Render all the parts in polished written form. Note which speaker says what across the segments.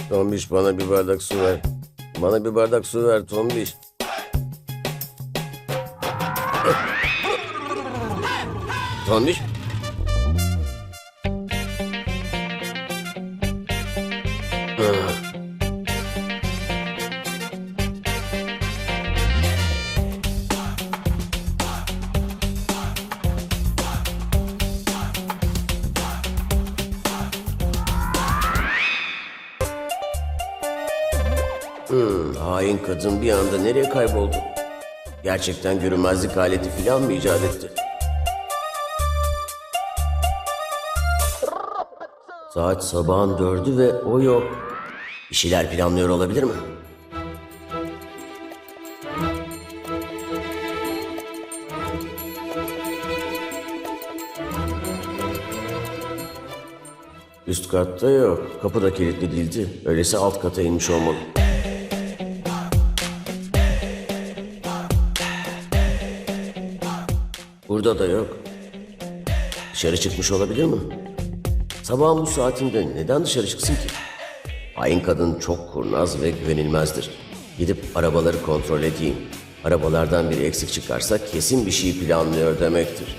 Speaker 1: Tombiş bana bir bardak su ver. Bana bir bardak su ver Tombiş. Tombiş. Hain kadın bir anda nereye kayboldu? Gerçekten görünmezlik aleti falan mı icat etti? Saat sabahın 4'ü ve o yok. Bir şeyler planlıyor olabilir mi? Üst katta yok. Kapı da kilitli değildi. Öyleyse alt kata inmiş olmalı. Burada da yok. Dışarı çıkmış olabilir mi? Sabahın bu saatinde neden dışarı çıksın ki? Hain kadın çok kurnaz ve güvenilmezdir. Gidip arabaları kontrol edeyim. Arabalardan biri eksik çıkarsa kesin bir şey planlıyor demektir.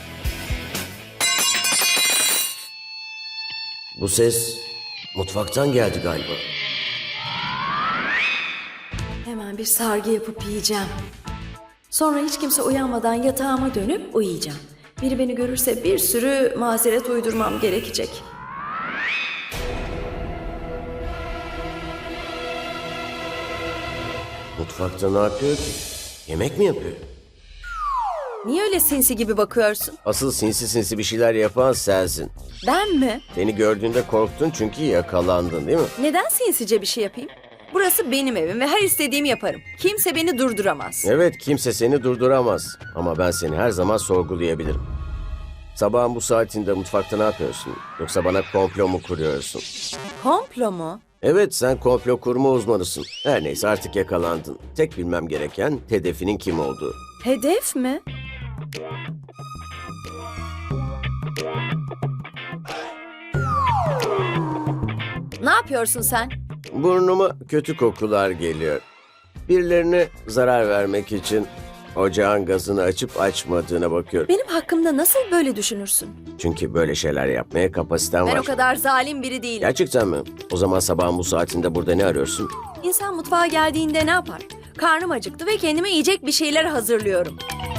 Speaker 1: Bu ses mutfaktan geldi galiba.
Speaker 2: Hemen bir sargı yapıp yiyeceğim. Sonra hiç kimse uyanmadan yatağıma dönüp uyuyacağım. Biri beni görürse bir sürü mazeret uydurmam gerekecek.
Speaker 1: Mutfakta ne yapıyor ki? Yemek mi yapıyor?
Speaker 2: Niye öyle sinsi gibi bakıyorsun?
Speaker 1: Asıl sinsi sinsi bir şeyler yapan sensin.
Speaker 2: Ben mi?
Speaker 1: Seni gördüğünde korktun çünkü yakalandın değil mi?
Speaker 2: Neden sinsice bir şey yapayım? Burası benim evim ve her istediğimi yaparım. Kimse beni durduramaz.
Speaker 1: Evet, kimse seni durduramaz. Ama ben seni her zaman sorgulayabilirim. Sabahın bu saatinde mutfakta ne yapıyorsun? Yoksa bana komplo mu kuruyorsun?
Speaker 2: Komplo mu?
Speaker 1: Evet, sen komplo kurma uzmanısın. Her neyse artık yakalandın. Tek bilmem gereken hedefinin kim olduğu.
Speaker 2: Hedef mi? Ne yapıyorsun sen?
Speaker 1: Burnuma kötü kokular geliyor. Birilerine zarar vermek için ocağın gazını açıp açmadığına bakıyorum.
Speaker 2: Benim hakkımda nasıl böyle düşünürsün?
Speaker 1: Çünkü böyle şeyler yapmaya kapasiten
Speaker 2: Ben
Speaker 1: var.
Speaker 2: o kadar zalim biri değilim.
Speaker 1: Gerçekten mi? O zaman sabahın bu saatinde burada ne arıyorsun?
Speaker 2: İnsan mutfağa geldiğinde ne yapar? Karnım acıktı ve kendime yiyecek bir şeyler hazırlıyorum.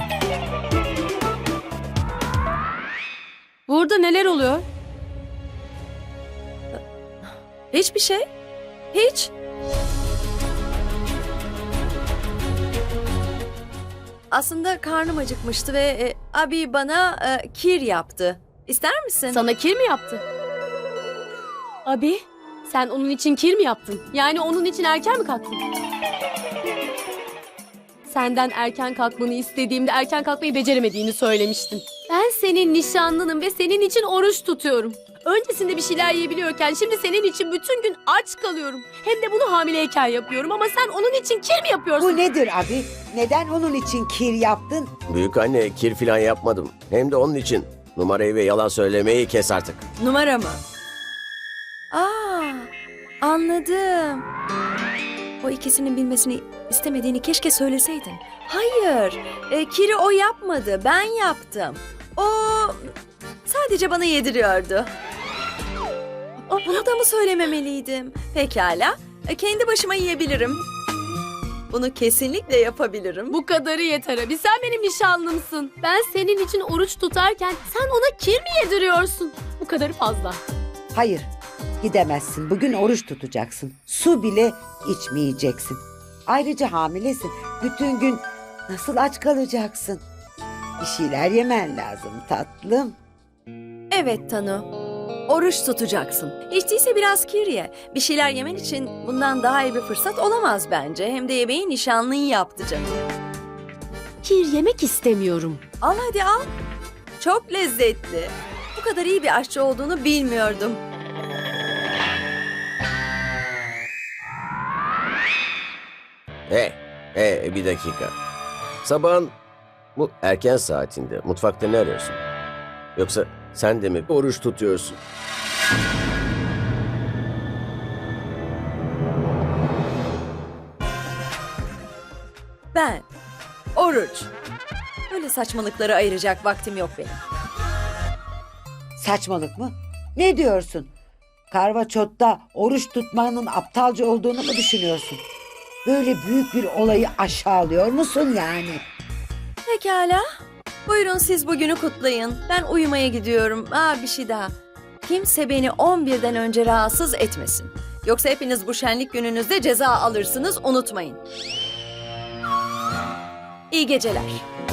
Speaker 3: Burada neler oluyor?
Speaker 2: Hiçbir şey. Hiç. Aslında karnım acıkmıştı ve abi bana kir yaptı. İster misin?
Speaker 3: Sana kir mi yaptı? Abi, sen onun için kir mi yaptın? Yani onun için erken mi kalktın? Senden erken kalkmanı istediğimde erken kalkmayı beceremediğini söylemiştin. Ben senin nişanlınım ve senin için oruç tutuyorum. Öncesinde bir şeyler yiyebiliyorken şimdi senin için bütün gün aç kalıyorum. Hem de bunu hamileyken yapıyorum ama sen onun için kir mi yapıyorsun?
Speaker 4: Bu nedir abi? Neden onun için kir yaptın?
Speaker 1: Büyük anne, kir falan yapmadım. Hem de onun için. Numarayı ve yalan söylemeyi kes artık.
Speaker 2: Numara mı? Aa, anladım. O ikisinin bilmesini istemediğini keşke söyleseydin. Hayır, kiri o yapmadı, ben yaptım. O sadece bana yediriyordu. Bunu da mı söylememeliydim? Pekala, kendi başıma yiyebilirim. Bunu kesinlikle yapabilirim.
Speaker 3: Bu kadarı yeter abi. Sen benim nişanlımsın. Ben senin için oruç tutarken sen ona kir mi yediriyorsun? Bu kadarı fazla.
Speaker 4: Hayır, gidemezsin. Bugün oruç tutacaksın. Su bile içmeyeceksin. Ayrıca hamilesin. Bütün gün nasıl aç kalacaksın? Bir şeyler yemen lazım tatlım.
Speaker 2: Evet Tanu. Oruç tutacaksın. Hiç değilse biraz kir ye. Bir şeyler yemen için bundan daha iyi bir fırsat olamaz bence. Hem de yemeği nişanlın yaptı canım.
Speaker 3: Kir yemek istemiyorum.
Speaker 2: Al hadi al. Çok lezzetli. Bu kadar iyi bir aşçı olduğunu bilmiyordum.
Speaker 1: Bir dakika. Sabahın bu erken saatinde mutfakta ne arıyorsun? Yoksa sen de mi oruç tutuyorsun?
Speaker 2: ben, oruç. Böyle saçmalıkları ayıracak vaktim yok benim.
Speaker 4: Saçmalık mı? Ne diyorsun? Karvaçot'ta oruç tutmanın aptalca olduğunu mu düşünüyorsun? Böyle büyük bir olayı aşağılıyor musun yani?
Speaker 2: Pekala. Buyurun siz bugünü kutlayın. Ben uyumaya gidiyorum. Bir şey daha. Kimse beni 11'den önce rahatsız etmesin. Yoksa hepiniz bu şenlik gününüzde ceza alırsınız, unutmayın. İyi geceler.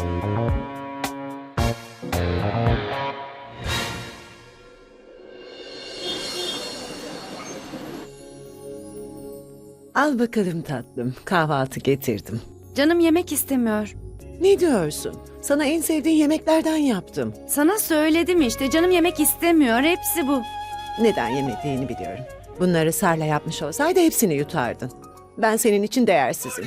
Speaker 5: Al bakalım tatlım, kahvaltı getirdim.
Speaker 6: Canım yemek istemiyor.
Speaker 5: Ne diyorsun? Sana en sevdiğin yemeklerden yaptım.
Speaker 6: Sana söyledim işte canım yemek istemiyor. Hepsi bu.
Speaker 5: Neden yemediğini biliyorum. Bunları Sarla yapmış olsaydı hepsini yutardın. Ben senin için değersizim.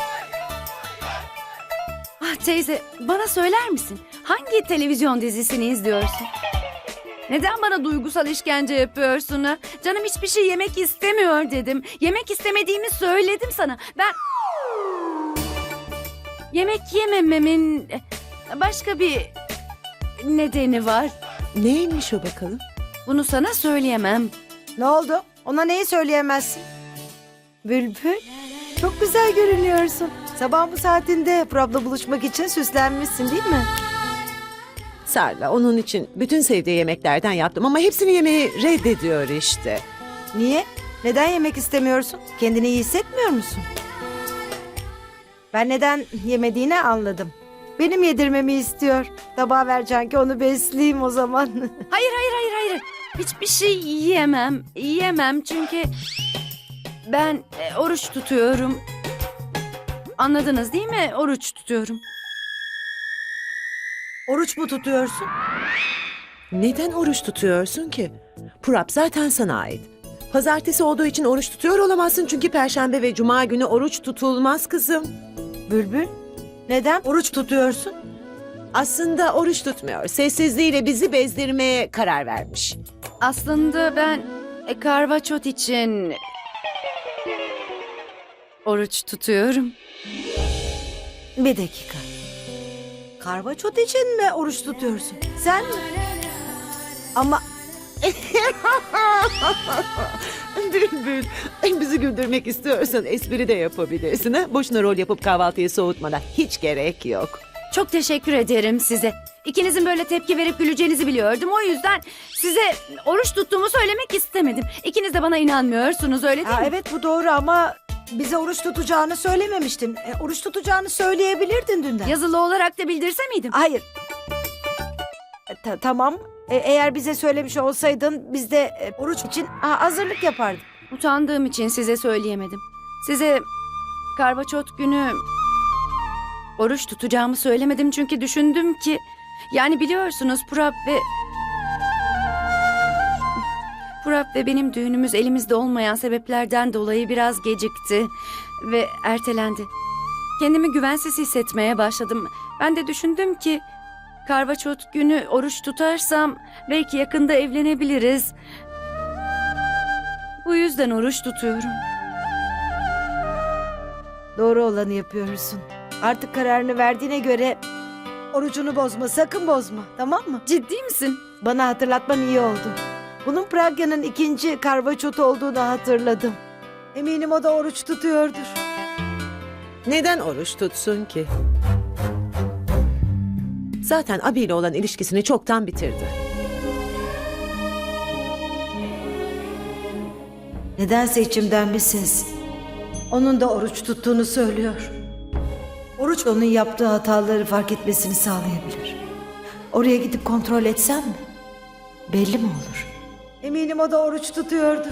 Speaker 6: Ah teyze bana söyler misin? Hangi televizyon dizisini izliyorsun? Neden bana duygusal işkence yapıyorsun ha? Canım hiçbir şey yemek istemiyor dedim. Yemek istemediğimi söyledim sana. Ben... Yemek yemememin başka bir nedeni var.
Speaker 5: Neymiş o bakalım?
Speaker 6: Bunu sana söyleyemem.
Speaker 7: Ne oldu? Ona neyi söyleyemezsin? Bülbül, çok güzel görünüyorsun. Sabah bu saatinde Prab'la buluşmak için süslenmişsin değil mi?
Speaker 5: Sarla onun için bütün sevdiği yemeklerden yaptım ama hepsini yemeyi reddediyor işte.
Speaker 7: Niye? Neden yemek istemiyorsun? Kendini iyi hissetmiyor musun? Ben neden yemediğini anladım. Benim yedirmemi istiyor. Tabağa vereceksin ki onu besleyeyim o zaman.
Speaker 6: Hayır. Hiçbir şey yiyemem. Yiyemem çünkü ben oruç tutuyorum. Anladınız değil mi? Oruç tutuyorum.
Speaker 7: Oruç mu tutuyorsun?
Speaker 5: Neden oruç tutuyorsun ki? Purap zaten sana ait. Pazartesi olduğu için oruç tutuyor olamazsın çünkü Perşembe ve Cuma günü oruç tutulmaz kızım.
Speaker 7: Bülbül, neden oruç tutuyorsun?
Speaker 5: Aslında oruç tutmuyor. Sessizliğiyle bizi bezdirmeye karar vermiş.
Speaker 6: Aslında ben karvaçot için oruç tutuyorum.
Speaker 7: Bir dakika. Karvaçot için mi oruç tutuyorsun? Sen mi? Ama
Speaker 5: Bülbül, bizi güldürmek istiyorsan espri de yapabilirsin. Ha? Boşuna rol yapıp kahvaltıyı soğutmana hiç gerek yok.
Speaker 6: Çok teşekkür ederim size. İkinizin böyle tepki verip güleceğinizi biliyordum. O yüzden size oruç tuttuğumu söylemek istemedim. İkiniz de bana inanmıyorsunuz öyle değil mi?
Speaker 7: evet bu doğru ama bize oruç tutacağını söylememiştin. Oruç tutacağını söyleyebilirdin dünden.
Speaker 6: Yazılı olarak da bildirse miydim?
Speaker 7: Hayır. Tamam. Eğer bize söylemiş olsaydın biz de oruç için hazırlık yapardık.
Speaker 6: Utandığım için size söyleyemedim. Size karvaçot günü oruç tutacağımı söylemedim çünkü düşündüm ki... Yani biliyorsunuz Purap ve benim düğünümüz elimizde olmayan sebeplerden dolayı biraz gecikti ve ertelendi. Kendimi güvensiz hissetmeye başladım. Ben de düşündüm ki karvaçot günü oruç tutarsam belki yakında evlenebiliriz. Bu yüzden oruç tutuyorum.
Speaker 7: Doğru olanı yapıyorsun. Artık kararını verdiğine göre orucunu bozma, sakın bozma. Tamam mı?
Speaker 6: Ciddi misin?
Speaker 7: Bana hatırlatman iyi oldu. Bunun Pragya'nın ikinci karvaçotu olduğunu hatırladım. Eminim o da oruç tutuyordur.
Speaker 5: Neden oruç tutsun ki? Zaten abiyle olan ilişkisini çoktan bitirdi.
Speaker 7: Nedense içimden bir ses onun da oruç tuttuğunu söylüyor. Oruç onun yaptığı hataları fark etmesini sağlayabilir. Oraya gidip kontrol etsem mi? Belli mi olur? Eminim o da oruç tutuyordur.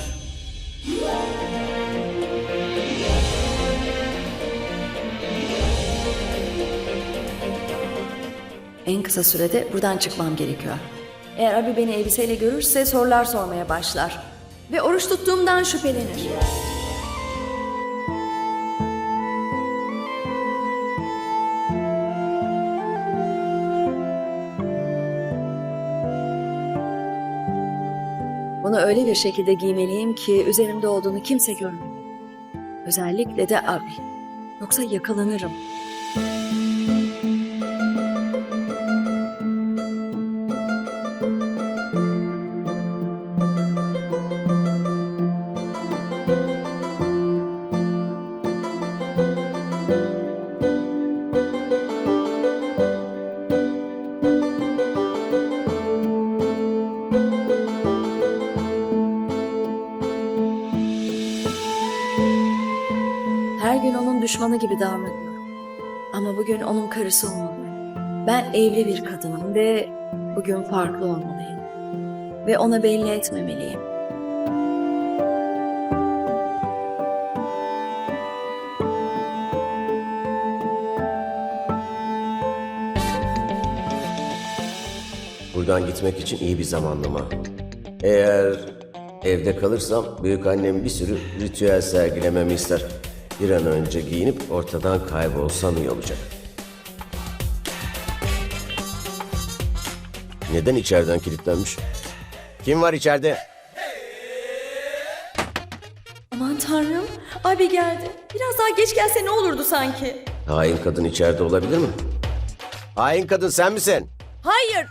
Speaker 2: En kısa sürede buradan çıkmam gerekiyor. Eğer abi beni elbiseyle görürse sorular sormaya başlar. Ve oruç tuttuğumdan şüphelenir. Bunu öyle bir şekilde giymeliyim ki üzerimde olduğunu kimse görmemeli. Özellikle de abi. Yoksa yakalanırım. gün onun düşmanı gibi davranıyorum. Ama bugün onun karısı olmalıyım. Ben evli bir kadınım ve bugün farklı olmalıyım. Ve ona belli etmemeliyim.
Speaker 1: Buradan gitmek için iyi bir zamanlama. Eğer evde kalırsam büyük annem bir sürü ritüel sergilememi ister. Bir an önce giyinip ortadan kaybolsam iyi olacak. Neden içeriden kilitlenmiş? Kim var içeride?
Speaker 2: Aman tanrım, abi geldi. Biraz daha geç gelse ne olurdu sanki?
Speaker 1: Hain kadın içeride olabilir mi? Hain kadın sen misin?
Speaker 2: Hayır.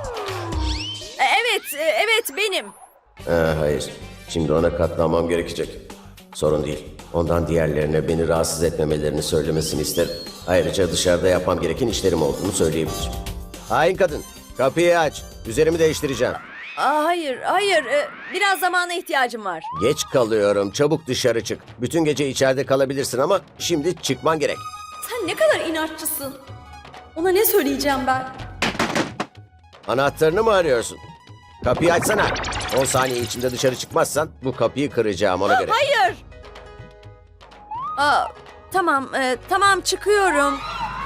Speaker 2: Evet benim.
Speaker 1: Hayır. Şimdi ona katlanmam gerekecek. Sorun değil. Ondan diğerlerine beni rahatsız etmemelerini söylemesini isterim. Ayrıca dışarıda yapmam gereken işlerim olduğunu söyleyebilir. Hain kadın, kapıyı aç. Üzerimi değiştireceğim.
Speaker 2: Hayır. Biraz zamana ihtiyacım var.
Speaker 1: Geç kalıyorum. Çabuk dışarı çık. Bütün gece içeride kalabilirsin ama şimdi çıkman gerek.
Speaker 2: Sen ne kadar inatçısın. Ona ne söyleyeceğim ben?
Speaker 1: Anahtarını mı arıyorsun? Kapıyı açsana. 10 saniye içinde dışarı çıkmazsan bu kapıyı kıracağım ona göre.
Speaker 2: Hayır. Tamam çıkıyorum.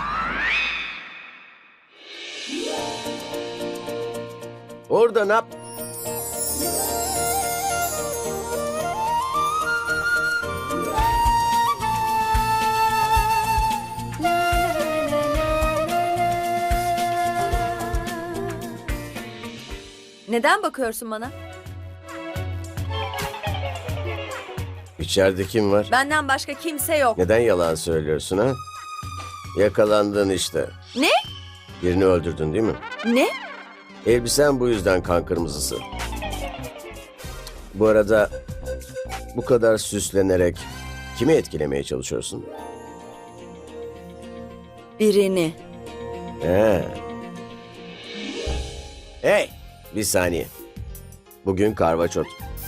Speaker 1: Orada ne yap?
Speaker 2: Neden bakıyorsun bana?
Speaker 1: İçeride kim var?
Speaker 2: Benden başka kimse yok.
Speaker 1: Neden yalan söylüyorsun ha? Yakalandın işte.
Speaker 2: Ne?
Speaker 1: Birini öldürdün değil mi?
Speaker 2: Ne?
Speaker 1: Elbisen bu yüzden kan kırmızısı. Bu arada bu kadar süslenerek kimi etkilemeye çalışıyorsun?
Speaker 2: Birini.
Speaker 1: Hey, bir saniye. Bugün karvaçot.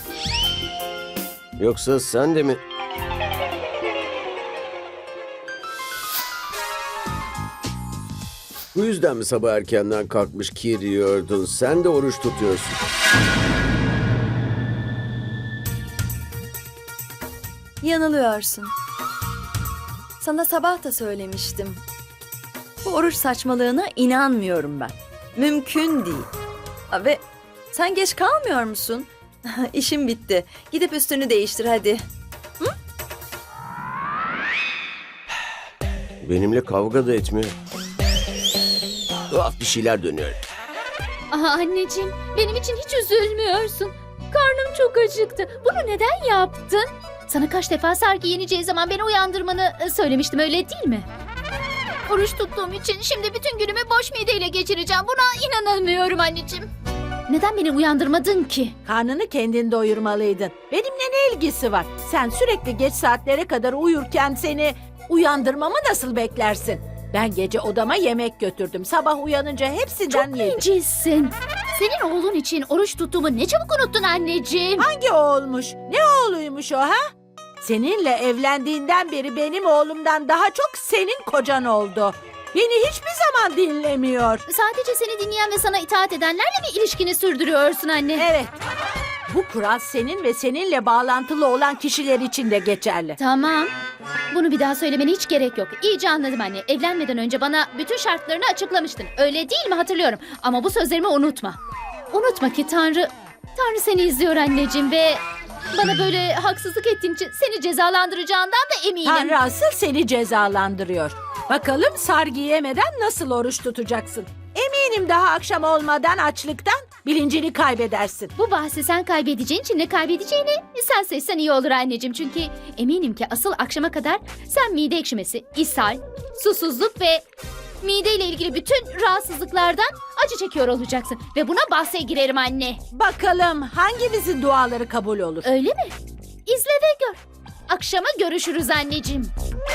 Speaker 1: Yoksa sen de mi? Bu yüzden mi sabah erkenden kalkmış kir yiyordun? Sen de oruç tutuyorsun.
Speaker 2: Yanılıyorsun. Sana sabah da söylemiştim. Bu oruç saçmalığına inanmıyorum ben. Mümkün değil. Ve sen geç kalmıyor musun? İşim bitti. Gidip üstünü değiştir hadi.
Speaker 1: Benimle kavga da etmiyor. Tuhaf bir şeyler dönüyor.
Speaker 3: Aha anneciğim, benim için hiç üzülmüyorsun. Karnım çok acıktı. Bunu neden yaptın? Sana kaç defa Sargi yeneceği zaman beni uyandırmanı söylemiştim, öyle değil mi? Oruç tuttuğum için şimdi bütün günümü boş mideyle geçireceğim. Buna inanamıyorum anneciğim. Neden beni uyandırmadın ki?
Speaker 8: Karnını kendin doyurmalıydın. Benimle ne ilgisi var? Sen sürekli geç saatlere kadar uyurken seni uyandırmamı nasıl beklersin? Ben gece odama yemek götürdüm. Sabah uyanınca hepsinden
Speaker 3: Çok
Speaker 8: yedim.
Speaker 3: bencilsin. Senin oğlun için oruç tuttuğumu ne çabuk unuttun anneciğim.
Speaker 8: Hangi oğulmuş? Ne oğluymuş o ha? Seninle evlendiğinden beri benim oğlumdan daha çok senin kocan oldu. Beni hiçbir zaman dinlemiyor.
Speaker 3: Sadece seni dinleyen ve sana itaat edenlerle mi ilişkini sürdürüyorsun anne?
Speaker 8: Evet. Bu kural senin ve seninle bağlantılı olan kişiler için de geçerli.
Speaker 3: Tamam. Bunu bir daha söylemene hiç gerek yok. İyice anladım anne. Evlenmeden önce bana bütün şartlarını açıklamıştın. Öyle değil mi, hatırlıyorum. Ama bu sözlerimi unutma. Unutma ki Tanrı seni izliyor anneciğim ve bana böyle haksızlık ettiğin için seni cezalandıracağından da eminim.
Speaker 8: Tanrı asıl seni cezalandırıyor. Bakalım sargı yemeden nasıl oruç tutacaksın? Eminim daha akşam olmadan açlıktan bilincini kaybedersin.
Speaker 3: Bu bahsi sen kaybedeceğin için ne kaybedeceğini sen seçsen iyi olur anneciğim. Çünkü eminim ki asıl akşama kadar sen mide ekşimesi, ishal, susuzluk ve mideyle ilgili bütün rahatsızlıklardan acı çekiyor olacaksın. Ve buna bahse girerim anne.
Speaker 8: Bakalım hangimizin duaları kabul olur?
Speaker 3: Öyle mi? İzle ve gör. Akşama görüşürüz anneciğim.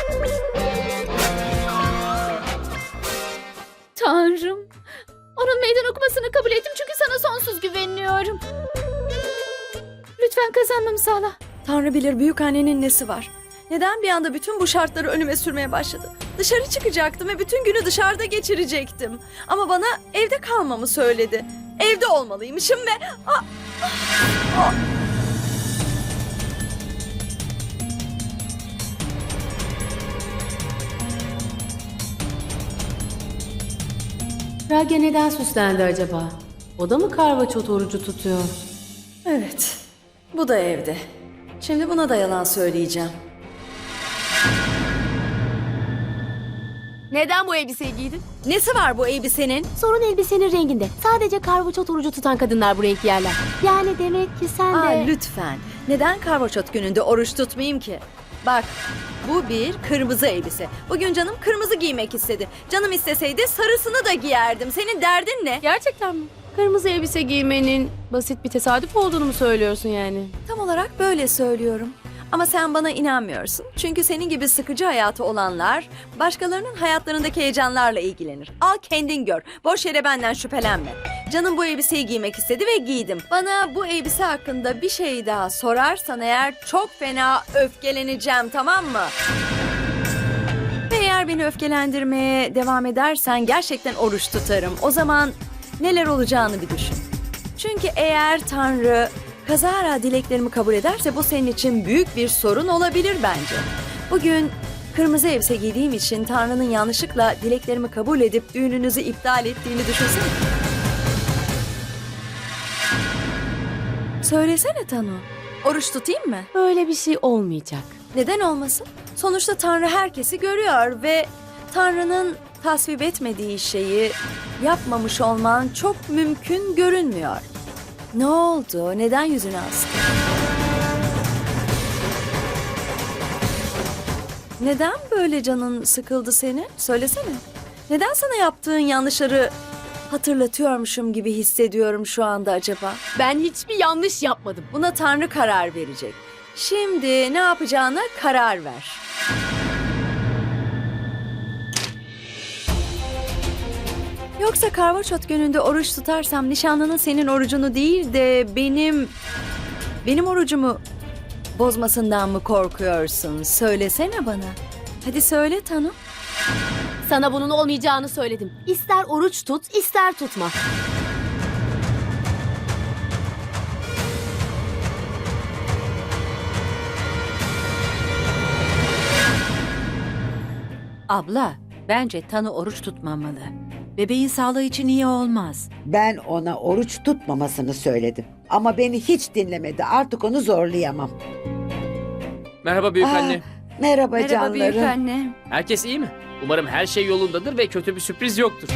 Speaker 3: Tanrım. Onun meydan okumasını kabul ettim çünkü sana sonsuz güveniyorum. Lütfen kazanmamı sağla.
Speaker 2: Tanrı bilir büyük annenin nesi var. Neden bir anda bütün bu şartları önüme sürmeye başladı? Dışarı çıkacaktım ve bütün günü dışarıda geçirecektim. Ama bana evde kalmamı söyledi. Evde olmalıymışım ve...
Speaker 3: Pragya neden süslendi acaba? O da mı karvaçot orucu tutuyor?
Speaker 2: Evet, bu da evde. Şimdi buna da yalan söyleyeceğim.
Speaker 3: Neden bu elbiseyi giydin?
Speaker 2: Nesi var bu elbisenin?
Speaker 3: Sorun elbisenin renginde. Sadece karvaçot orucu tutan kadınlar bu renk giyerler. Yani demek ki sen
Speaker 2: Aa,
Speaker 3: de...
Speaker 2: lütfen. Neden karvaçot gününde oruç tutmayayım ki? Bak, bu bir kırmızı elbise. Bugün canım kırmızı giymek istedi. Canım isteseydi sarısını da giyerdim. Senin derdin ne?
Speaker 3: Gerçekten mi? Kırmızı elbise giymenin basit bir tesadüf olduğunu mu söylüyorsun yani?
Speaker 2: Tam olarak böyle söylüyorum. Ama sen bana inanmıyorsun. Çünkü senin gibi sıkıcı hayatı olanlar başkalarının hayatlarındaki heyecanlarla ilgilenir. Al kendin gör. Boş yere benden şüphelenme. Canım bu elbiseyi giymek istedi ve giydim. Bana bu elbise hakkında bir şey daha sorarsan eğer çok fena öfkeleneceğim, tamam mı? Ve eğer beni öfkelendirmeye devam edersen gerçekten oruç tutarım. O zaman neler olacağını bir düşün. Çünkü eğer Tanrı kazara dileklerimi kabul ederse bu senin için büyük bir sorun olabilir bence. Bugün kırmızı elbise giydiğim için Tanrı'nın yanlışlıkla dileklerimi kabul edip düğününüzü iptal ettiğini düşünsene. Söylesene Tanu. Oruç tutayım mı?
Speaker 3: Böyle bir şey olmayacak.
Speaker 2: Neden olmasın? Sonuçta Tanrı herkesi görüyor ve Tanrı'nın tasvip etmediği şeyi yapmamış olman çok mümkün görünmüyor. Ne oldu? Neden yüzünü astın? Neden böyle canın sıkıldı senin? Söylesene. Neden sana yaptığın yanlışları hatırlatıyormuşum gibi hissediyorum şu anda acaba?
Speaker 3: Ben hiçbir yanlış yapmadım.
Speaker 2: Buna Tanrı karar verecek. Şimdi ne yapacağına karar ver. Yoksa karvaçot gününde oruç tutarsam nişanlının senin orucunu değil de benim orucumu bozmasından mı korkuyorsun? Söylesene bana. Hadi söyle Tanu.
Speaker 3: Sana bunun olmayacağını söyledim. İster oruç tut, ister tutma.
Speaker 9: Abla, bence Tanu oruç tutmamalı. Bebeğin sağlığı için iyi olmaz.
Speaker 4: Ben ona oruç tutmamasını söyledim. Ama beni hiç dinlemedi. Artık onu zorlayamam.
Speaker 10: Merhaba büyük anne.
Speaker 4: Merhaba,
Speaker 6: Merhaba
Speaker 4: canlarım.
Speaker 6: büyük anne.
Speaker 10: Herkes iyi mi? Umarım her şey yolundadır ve kötü bir sürpriz yoktur.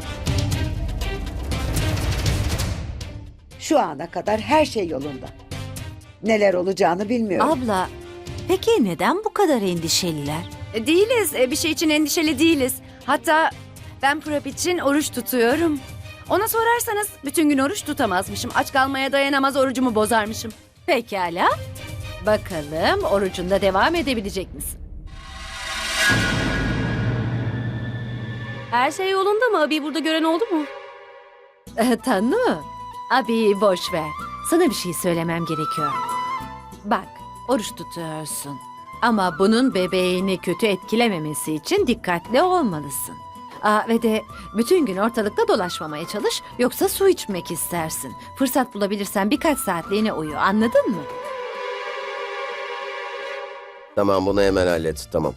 Speaker 4: Şu ana kadar her şey yolunda. Neler olacağını bilmiyorum.
Speaker 9: Abla, peki neden bu kadar endişeliler?
Speaker 6: Değiliz. Bir şey için endişeli değiliz. Hatta ben Prap için oruç tutuyorum. Ona sorarsanız bütün gün oruç tutamazmışım. Aç kalmaya dayanamaz, orucumu bozarmışım.
Speaker 9: Pekala. Bakalım orucunda devam edebilecek misin?
Speaker 3: Her şey yolunda mı? Abi burada gören oldu mu?
Speaker 9: Tanu, abi boş ver. Sana bir şey söylemem gerekiyor. Bak, oruç tutuyorsun. Ama bunun bebeğini kötü etkilememesi için dikkatli olmalısın. Ve de bütün gün ortalıkta dolaşmamaya çalış, yoksa su içmek istersin. Fırsat bulabilirsen birkaç saatliğine uyu, anladın mı?
Speaker 1: Tamam, bunu hemen hallet. Tamam.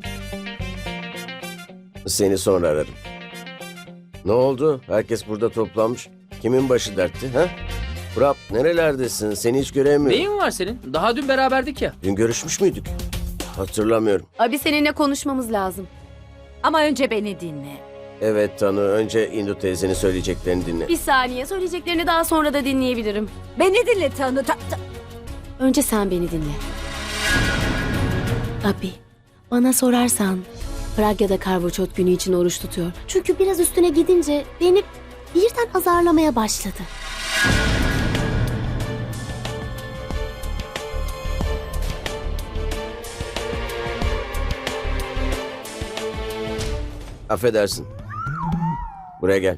Speaker 1: Seni sonra ararım. Ne oldu? Herkes burada toplanmış. Kimin başı dertti, ha? Prap, nerelerdesin? Seni hiç göremiyorum.
Speaker 10: Neyin var senin? Daha dün beraberdik ya.
Speaker 1: Dün görüşmüş müydük? Hatırlamıyorum.
Speaker 3: Abi seninle konuşmamız lazım.
Speaker 9: Ama önce beni dinle.
Speaker 1: Evet Tanu, önce Indu teyzenin söyleyeceklerini dinle.
Speaker 3: Bir saniye, söyleyeceklerini daha sonra da dinleyebilirim.
Speaker 9: Beni dinle Tanu.
Speaker 3: Önce sen beni dinle. Abi, bana sorarsan Pragya'da karvaçot günü için oruç tutuyor. Çünkü biraz üstüne gidince beni birden azarlamaya başladı.
Speaker 1: Affedersin. Buraya gel.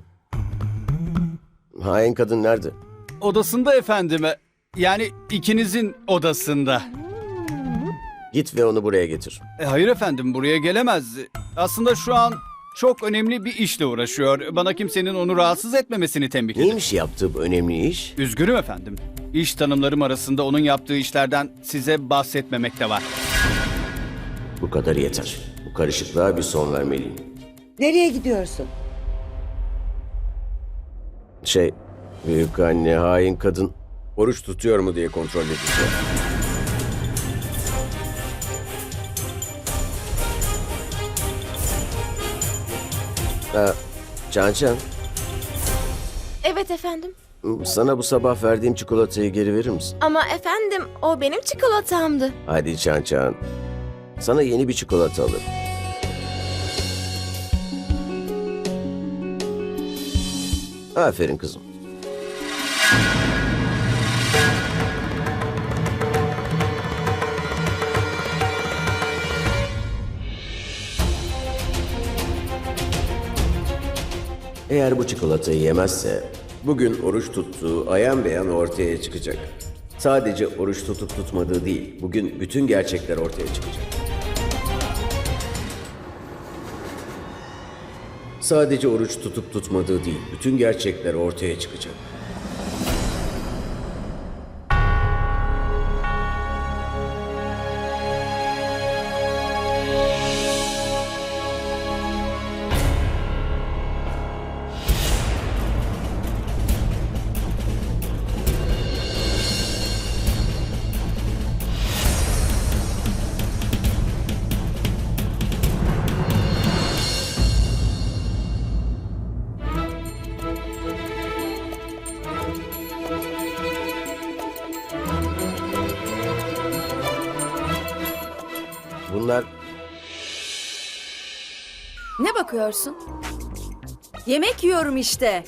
Speaker 1: Hain kadın nerede?
Speaker 11: Odasında efendime. Yani ikinizin odasında.
Speaker 1: Git ve onu buraya getir.
Speaker 11: Hayır efendim, buraya gelemez. Aslında şu an çok önemli bir işle uğraşıyor. Bana kimsenin onu rahatsız etmemesini tembih edin.
Speaker 1: Neymiş yaptığı bu önemli iş?
Speaker 11: Üzgünüm efendim. İş tanımlarım arasında onun yaptığı işlerden size bahsetmemekte var.
Speaker 1: Bu kadar yeter. Bu karışıklığa bir son vermeliyim.
Speaker 4: Nereye gidiyorsun?
Speaker 1: Büyük anne, hain kadın oruç tutuyor mu diye kontrol edeceğim. Can,
Speaker 12: Evet efendim.
Speaker 1: sana bu sabah verdiğim çikolatayı geri verir misin?
Speaker 12: Ama efendim o benim çikolatamdı.
Speaker 1: Hadi Can. Sana yeni bir çikolata alırım. Aferin kızım. Eğer bu çikolatayı yemezse bugün oruç tuttuğu ayan beyan ortaya çıkacak. Sadece oruç tutup tutmadığı değil, bugün bütün gerçekler ortaya çıkacak. Sadece oruç tutup tutmadığı değil, bütün gerçekler ortaya çıkacak. Bunlar
Speaker 2: Ne bakıyorsun? Yemek yiyorum işte.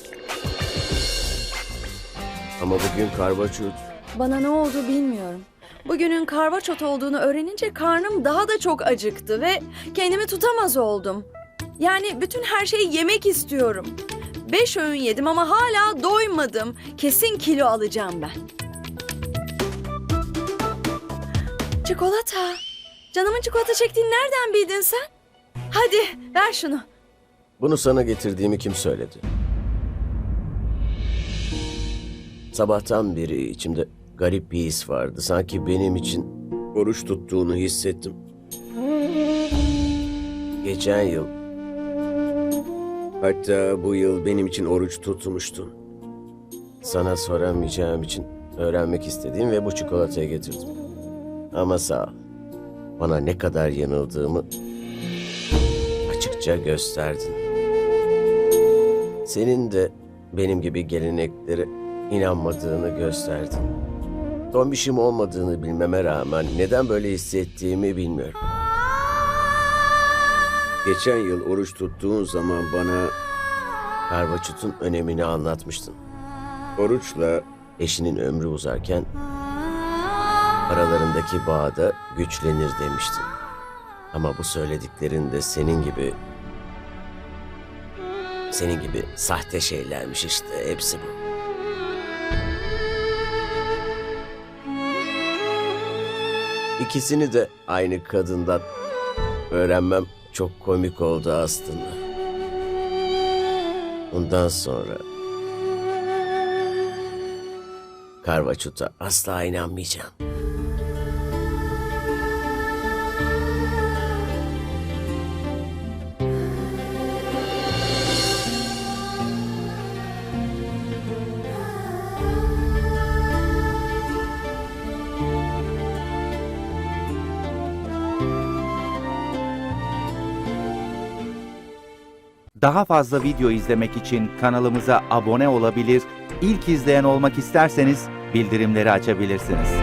Speaker 1: ama bugün karvaçut.
Speaker 2: Bana ne oldu bilmiyorum. Bugünün karvaçot olduğunu öğrenince karnım daha da çok acıktı ve kendimi tutamaz oldum. Yani bütün her şeyi yemek istiyorum. 5 öğün yedim ama hala doymadım. Kesin kilo alacağım ben. Çikolata. Canımın çikolata çektiğini nereden bildin sen? Hadi ver şunu.
Speaker 1: Bunu sana getirdiğimi kim söyledi? Sabahtan beri içimde garip bir his vardı. Sanki benim için oruç tuttuğunu hissettim. Geçen yıl, hatta bu yıl benim için oruç tutmuştun. Sana soramayacağım için öğrenmek istediğim ve bu çikolatayı getirdim. Ama sağ ol. Bana ne kadar yanıldığımı açıkça gösterdin. Senin de benim gibi geleneklere inanmadığını gösterdin. Tombişim olmadığını bilmeme rağmen neden böyle hissettiğimi bilmiyorum. Geçen yıl oruç tuttuğun zaman bana karvaçutun önemini anlatmıştın. Oruçla eşinin ömrü uzarken aralarındaki bağ da güçlenir demiştin. Ama bu söylediklerin de senin gibi sahte şeylermiş işte, hepsi bu. İkisini de aynı kadından öğrenmem çok komik oldu aslında. Bundan sonra karvaçuta asla inanmayacağım.
Speaker 13: Daha fazla video izlemek için kanalımıza abone olabilir, ilk izleyen olmak isterseniz bildirimleri açabilirsiniz.